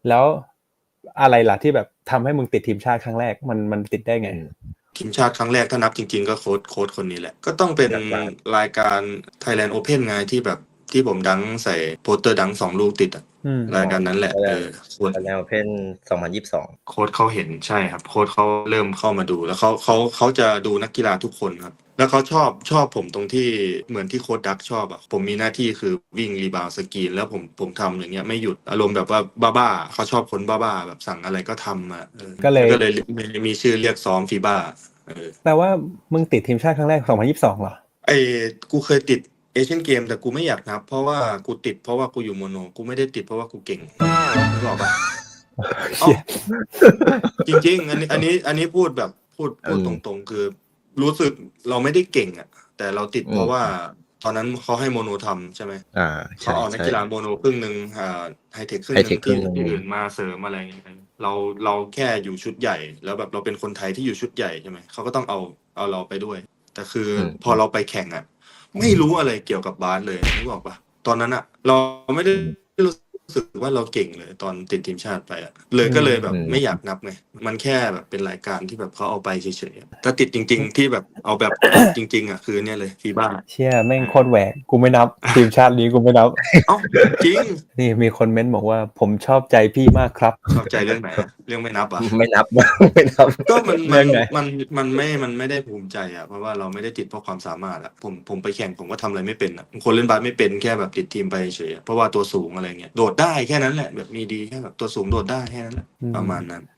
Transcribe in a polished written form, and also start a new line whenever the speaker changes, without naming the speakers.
แล้วอะไรล่ะที่แบบทำให้มึงติดทีมชาติครั้งแรกมันติดได้ไง
ทีมชาติครั้งแรกถ้านับจริงๆก็โค้ชคนนี้แหละก็ต้องเป็นรายการ Thailand Open ไงที่แบบที่ผมดังใส่โปสเตอร์ดัง2 ลูกติดรายการนั้นแหละ
โค้ชแนวเพน2022
โค้ชเขาเห็นใช่ครับโค้ชเขาเริ่มเข้ามาดูแล้วเขาจะดูนักกีฬาทุกคนครับแล้วเขาชอบผมตรงที่เหมือนที่โค้ชดักชอบอ่ะผมมีหน้าที่คือวิ่งรีบาวสกรีนแล้วผมทำอย่างเงี้ยไม่หยุดอารมณ์แบบว่าบ้าๆเขาชอบคนบ้าๆแบบสั่งอะไรก็ทำอ่ะก็เลยมีชื่อเรียกซ้อมฟีบ้า
แปลว่ามึงติดทีมชาติครั้งแรก2022เหรอ
กูเคยติดเอเชียนเกมแต่กูไม่อยากนับเพราะว่ากูติดเพราะว่ากูอยู่โมโนกูไม่ได้ติดเพราะว่ากูเก่งนึกออกปะจริงๆอันนี้พูดแบบพูดตรงๆคือรู้สึกเราไม่ได้เก่งอ่ะแต่เราติดเพราะว่าตอนนั้นเขาให้โมโนทำใช่ไหมเขาเอานักกีฬาโมโนครึ่งนึงไฮเทคครึ่งนึงที่อื่นมาเสริมอะไรอย่างเงี้ยเราแค่อยู่ชุดใหญ่แล้วแบบเราเป็นคนไทยที่อยู่ชุดใหญ่ใช่ไหมเขาก็ต้องเอาเราไปด้วยแต่คือพอเราไปแข่งอ่ะไม่รู้อะไรเกี่ยวกับบาสเลยนึกออกปะตอนนั้นอ่ะเราไม่ได้รู้สึกว่าเราเก่งเลยตอนติดทีมชาติไปอ่ะก็เลยแบบไม่อยากนับไงมันแค่แบบเป็นรายการที่แบบเขาเอาไปเฉยๆถ้าติดจริงๆที่แบบเอาแบบจริงๆอ่ะคือเนี่ยเลยฟีบ้า
เชี่ยแม่งโคตรแหวกกูไม่นับทีมชาตินี้กูไม่นับ
จริง
นี่มีคนเม้นบอกว่าผมชอบใจพี่มากครับ
ชอบใจเรื่องไหนเรื่องไม่นับอ่ะ
ไม่นับ
ก็มันไม่ได้ภูมิใจอ่ะเพราะว่าเราไม่ได้ติดเพราะความสามารถอ่ะผมไปแข่งผมก็ทำอะไรไม่เป็นอ่ะคนเล่นบาสไม่เป็นแค่แบบติดทีมไปเฉยเพราะว่าตัวสูงอะไรเงี้ยโดดได้แค่นั้นแหละแบบมีดีแค่แบบตัวสูงโดดได้แค่นั้นแหละประมาณนั้น